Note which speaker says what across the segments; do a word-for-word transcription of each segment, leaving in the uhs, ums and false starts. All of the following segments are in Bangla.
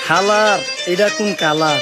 Speaker 1: খালার এটা কোন কালার?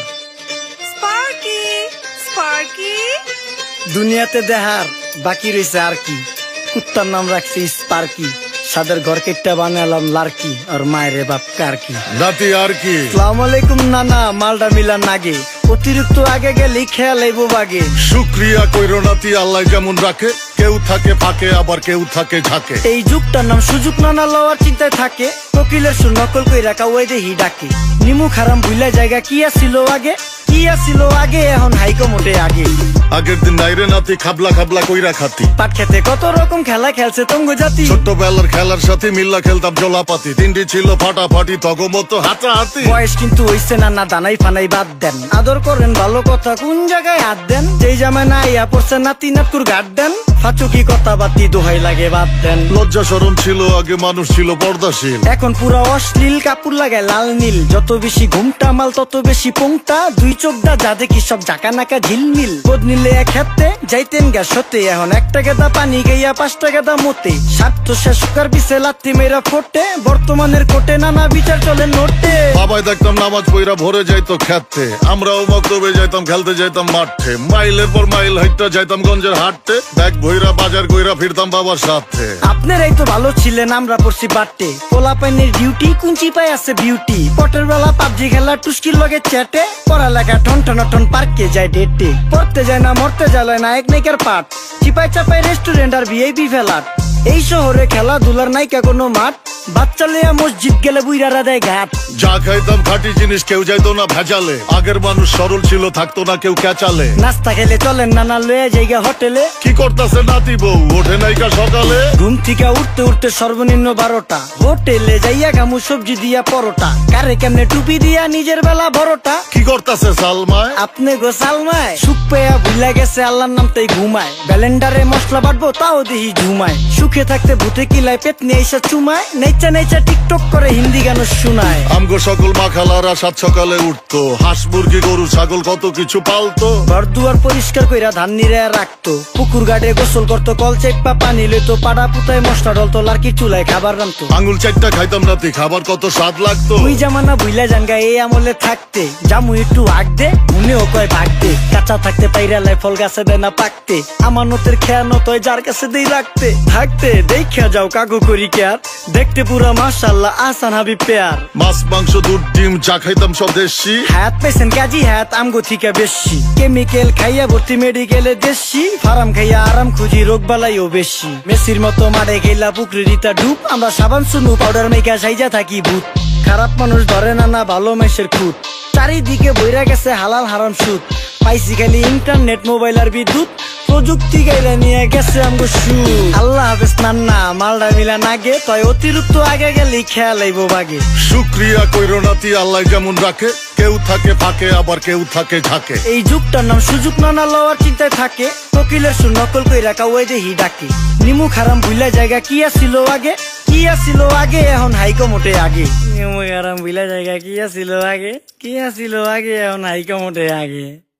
Speaker 2: স্পার্কি স্পার্কি
Speaker 1: দুনিয়াতে দেহার বাকি রয়েছে আর কি। কুত্তার নাম রাখছি স্পার্কি, সাদের ঘর কেটটা বানালাম লার্কি, আর মায়ের বাপ কারকি।
Speaker 3: নাতি আর কি?
Speaker 1: আসসালামু আলাইকুম নানা, মালডা মিলা নাগে, অতিরিক্ত আগে গেলে খেয়াল আইব বাগে।
Speaker 3: শুক্রিয়া কইরো নাতি, আল্লাহ যেমন রাখে, কেউ থাকে ফাঁকে আবার কেউ থাকে ঝাঁকে।
Speaker 1: এই যুগটার নাম সুযোগ নানা লওয়ার চিন্তায় থাকে, কোকিলের সুর নকল কই রাখা ওই দেহি ডাকে। নিমু খারাম ভুলা জায়গা কি আসিল আগে, কি আসিল আগে, এখন হাইকো মোটে আগে।
Speaker 3: আগের দিন নাইরে নাতি খাবলা খাবলা কইরা খাতি,
Speaker 1: পাট খেতে কত রকম খেলা খেলছে তঙ্গ জাতি।
Speaker 3: ছোট্টবেলার খেলার সাথে মিল্লা খেলতাম জলাপাতি, তিনটি ছিল ফাটাফাটি তগমতো হাতাহাতি।
Speaker 1: বয়স কিন্তু হইছে না, না দানাই ফানাই বাদ দেন, আদর করেন ভালো কথা কোন জায়গায় হাত দেন। যেই জামায় না ইয়া পড়ছে নাতি নাতকুর গাট দেন, ফাচুকি কথা বাতি দোহাই লাগে বাদ দেন।
Speaker 3: লজ্জা শরম ছিল আগে, মানুষ ছিল পর্দাশীল,
Speaker 1: এখন পুরো অশ্লীল কাপড় লাগায় লাল নীল। যত বেশি ঘুমটা মাল তত বেশি পোংটা, দুই চোখটা যা দেখি সব জাকা নাকা ঝিলমিল। বোধ নিলে এক হাতে যাইতেন গ্যাস হতে, এখন একটা গেদা পানি গাইয়া পাঁচটা গেদা মতে। স্বার্থ শেষ কার পিছে লাত্তি মেয়েরা ফোটে, বর্তমানের কোটে নানা বিচার চলে নোটে।
Speaker 3: বাবাই দেখতাম নামাজ পইরা ভরে যাইতো খেতে, আমরাও মক্তবে যাইতাম খেলতে যাইতাম মাঠে। মাইলের পর মাইল হাইটটা যাইতাম গঞ্জের হাটতে, ব্যাগ ভইরা বাজার কইরা ফিরতাম বাবার সাথে।
Speaker 1: আপনারাই তো ভালো ছিলেন, আমরা পড়ছি বাটে। পোলা পাইনের ডিউটি কুঞ্চি পাই আছে বিউটি, পটের বেলা পাবজি খেলা টুস্কির লগে চ্যাটে। পড়ালেখা ঠন ঠন ঠন পার্কে যায় ডেটে, পড়তে যায় না মরতে যায় নায়ক নায়িকার পাঠ। চিপাই চাপাই রেস্টুরেন্ট আর ভিআইপি ফেলাট, এই শহরে খেলাধুলার নাইকা কোনো মাঠ। বাচ্চা লিয়া মসজিদ গেলে বুইরারা দেয় ঘাট।
Speaker 3: যা খাইতাম খাঁটি জিনিস, কেউ যাইতো না ভেজালে। আগের মানুষ সরল ছিল, থাকতো না কেউ ক্যাচালে।
Speaker 1: নাস্তা খেলে চলেন নানা লয়ে জায়গা হোটেলে।
Speaker 3: কি করতাছে নাতি বউ, ওঠে নাইকা সকালে।
Speaker 1: ঘুম থেকে উঠতে উঠতে সর্বনিম্ন বারোটা, হোটেলে যাইয়া গামু সবজি দিয়া পরোটা। কারে কেমনে টুপি দিয়া নিজের বেলা বড়টা।
Speaker 3: কি করতাছে সালমায়?
Speaker 1: আপনি গো সালমায় সুখ পেয়া ভুলা গেছে আল্লাহর নাম তাই ঘুমায়। ব্যালেন্ডারে মশলা বাটবো তাও দেহি ঝুমায়, সুখে থাকতে ভূতে কিলায় পেট নিয়ে এসে চুমায়। নেচা নেচা টিকটক করে হিন্দি গান শুনায়।
Speaker 3: আমগো সকল মাখালারা সাত সকালে উঠতো, হাঁস মুরগি গরু ছাগল কত কিছু পালতো।
Speaker 1: ঘর দুয়ার পরিষ্কার কইরা ধান নিরে রাখতো, পুকুর গাড়ে গোসল করতো, কল চেপা পানি লইতো। পাড়া পুতায় মশলা ডলতো, লার্কি চুলায় খাবার রান্তো।
Speaker 3: আঙুল চারটা খাইতাম নাতি, খাবার কত স্বাদ লাগতো।
Speaker 1: ওই জামানা ভুইলা জানগা এই আমলে থাকতে, জামু একটু আগ দে মনেও কয় ভাগ দে। কাঁচা থাকতে পাইরালায় ফল গাছে দেয় না পাকতে, আমানতের খেয়ানত হয় যার কাছে দেই রাখতে। থাকতে দেখা যাও কাগু করি কেয়ার, দেখতে পুরা মাশাআল্লাহ আসান হাবিব পেয়ার।
Speaker 3: মাছ মাংস দুধ ডিম চা খাইতাম সব দেশি,
Speaker 1: হাত পেছেন কাজী হাত আমগো থিকা বেশি। কেমিক্যাল খাইয়া ভর্তি মেডিকেলে দেশি, ফার্ম খাইয়া আরাম খুঁজি রোগ বালাইও বেশি। মেসির মতো মারে গেলা পুকুরে রিতা ডুব, আমরা সাবান সুনু পাউডার মেকা সাইজা থাকি ভূত। খারাপ মানুষ ধরে না না ভালো মেসের খুঁত, চারিদিকে বইরা গেছে হালাল হারাম সুদ। পাইছি খালি ইন্টারনেট মোবাইল আর বিদ্যুৎ, প্রযুক্তি গাইলা নিয়ে গেছে আমগো সু। আল্লাহ হাফেজ নান্না, মালডা মিলা নাগে, তয় অতিরিক্ত আগে গেলে খেয়াল আইব বাগে।
Speaker 3: শুক্রিয়া কইরো নাতি, আল্লাহ যেমন রাখে, কেউ থাকে ফাঁকে আবার কেউ থাকে ঝাঁকে।
Speaker 1: এই যুগটার নাম সুযোগ নানা লওয়ার চিন্তায় থাকে, কোকিলের সুর নকল কই রাখা ওই দেহি ডাকে। নিমু খারাম ভুলা জায়গা কি আসিল আগে, কি আসিল আগে, এখন হাইকো মোটে আগে। নিমু খারাম ভুলা জায়গা কি আসিল আগে, কি আসিল আগে, এখন হাইকো মোটে আগে।